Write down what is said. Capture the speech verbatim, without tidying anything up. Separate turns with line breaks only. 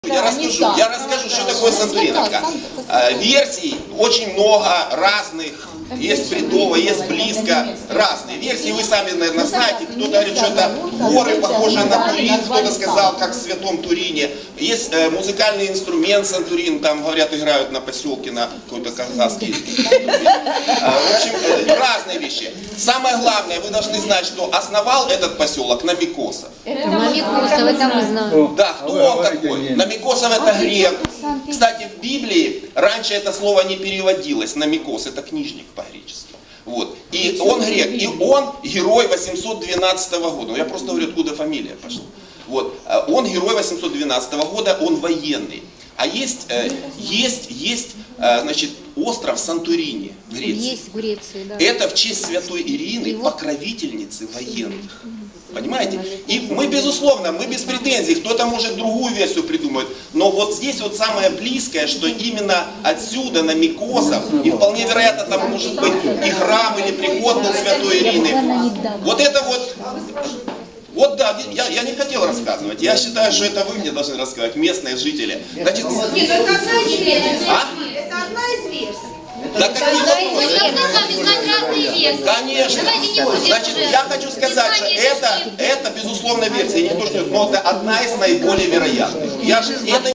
Я расскажу, я расскажу, что такое Сантуриновка. Версий очень много разных. Есть бредово, есть близко, разные версии. Вы сами, наверное, знаете. Кто-то говорит, что это горы, похожие на Турин. Кто-то сказал, как в Святом Турине. Есть э, музыкальный инструмент Сантурин. Там, говорят, играют на поселке, на какой-то казахский. В общем, э, разные вещи. Самое главное, вы должны знать, что основал этот поселок Намикосов.
Намикосов, это мы знаем.
Да, кто он такой? Намикосов это грек. Кстати, в Библии раньше это слово не переводилось. Намикос это книжник по-гречески. Вот. И он грек, и он герой восемьсот двенадцатого года. Я просто говорю, откуда фамилия пошла. Вот. Он герой восемьсот двенадцатого года, он военный. А есть, есть, есть, значит, остров Сантурини в Греции.
Есть в Греции, да.
Это в честь святой Ирины, покровительницы военных. Понимаете? И мы, безусловно, мы без претензий, кто-то может другую версию придумать, но вот здесь вот самое близкое, что именно отсюда, Намикосов, и вполне вероятно там может быть и храм, или приход был святой Ирины. Вот это вот, вот да, я, я не хотел рассказывать, я считаю, что это вы мне должны рассказать, местные жители. Значит,
Нет, это одна из версий.
А?
Это одна из версий.
Да какие
Мы
вопросы?
должны с вами знать разные версии.
Конечно.
Давайте не будем
Значит,
уже
я хочу сказать, что это, это безусловно версия, не то, что, но это одна из наиболее вероятных. Я же, это